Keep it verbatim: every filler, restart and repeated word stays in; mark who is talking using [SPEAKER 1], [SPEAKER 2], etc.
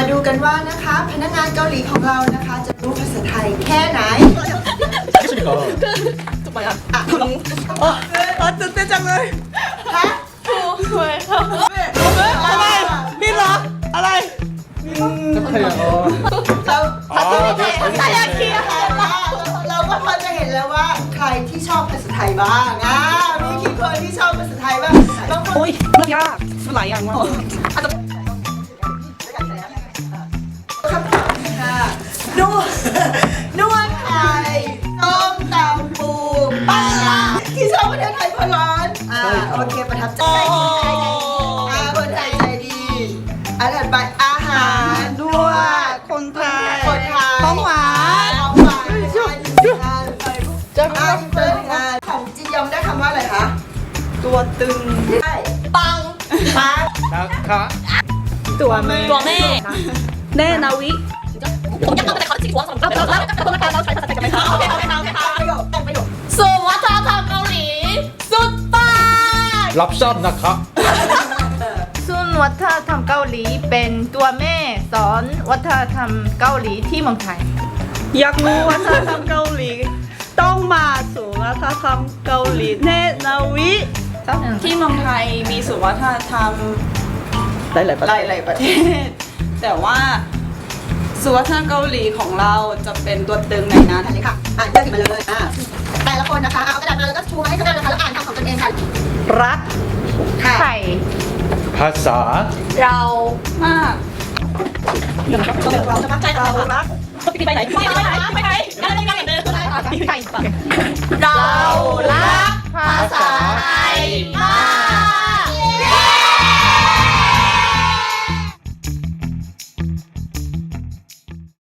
[SPEAKER 1] ดูกันว่านะคะพนักงานเกาหลีของเรานะคะจะรู้ภาษาไทยแค่ไหน
[SPEAKER 2] 알겠습니까?
[SPEAKER 3] 좀 많이 안.
[SPEAKER 1] อ่ะคุณ
[SPEAKER 3] 아, 진짜 짱을.
[SPEAKER 1] ฮะ
[SPEAKER 3] 왜?
[SPEAKER 1] อะไร
[SPEAKER 3] 밀라. 알아.
[SPEAKER 2] 짝타야.
[SPEAKER 1] เรา
[SPEAKER 2] อ่าเดี๋ยว
[SPEAKER 1] ภาษาไทยเราก็พอจะเห็นแล้วว่าใครที่ชอบภาษาไทยบ้างอ่ะมีกี่คนที่ชอบภาษาไทยบ้างบางคน
[SPEAKER 3] 오이, 야, 술 많이 안 먹어. 아, 저.
[SPEAKER 1] คำถามค่ะนวดนวดไทยต้มตำปูปลาร้าที่ชอบประเทศไทยเพราะร้อนอ่าโอเคประทับใจอ่าคนไทยใจดีอันถัดไปอาหารนวด
[SPEAKER 3] คนไทย
[SPEAKER 1] คนไทย
[SPEAKER 3] ของหวาน
[SPEAKER 1] ของหวานงานจะเป็นงานของจียองได้คำว่าอะไรคะ
[SPEAKER 3] ตัวตึง
[SPEAKER 1] ได้ปังปัง
[SPEAKER 2] 낙하.
[SPEAKER 3] ตัวแม่
[SPEAKER 4] ตัวแม่
[SPEAKER 3] แน่นาวิ
[SPEAKER 4] ผมอยากเอาแต่เขาที่หัวสมกับเราแล้วแต่คนเราใช้ภาษาไทยกันไหมคะโอเคโอเคโอเคค่ะ
[SPEAKER 1] ประโยคแต่งประโยค
[SPEAKER 4] ส่วนวัฒนธรรมเกาหลี สุดปัง
[SPEAKER 2] 랍삽 낙하.
[SPEAKER 5] ซุนวัฒนธรรมเกาหลีเป็นตัวแม่สอนวัฒนธรรมเกาหลีที่เมืองไทย
[SPEAKER 3] อยากรู้วัฒนธรรมเกาหลี ต้องมาสู่วัฒนธรรมเกาหลีแน่นาวิ
[SPEAKER 6] ที่เมืองไทยมีศูนย์วัฒนธรรม
[SPEAKER 3] หลายๆประเทศ
[SPEAKER 6] หลายๆประเทศ แต่ว่าศูนย์วัฒนธรรมเกาหลีของเราจะเป็นตัวตึงในนั้น
[SPEAKER 1] อันนี้ค่ะอ่านเรื่องมาเลยอ่าแต่ละคนนะคะเอากระดาษมาแล้วก็ชูมาให้กระดาษนะคะแล้วอ่านคำของตนเองค่ะ
[SPEAKER 3] รัก
[SPEAKER 1] ค่ะ
[SPEAKER 5] ไข่
[SPEAKER 2] 바사.
[SPEAKER 4] เรา
[SPEAKER 6] มาก
[SPEAKER 1] เราจะมั่นใจเรารัก
[SPEAKER 4] ไปไหนไปไหนไปไหนไปไหนไปไหนไปไหน
[SPEAKER 5] ไข่
[SPEAKER 4] เรารักภาษาไทยมาก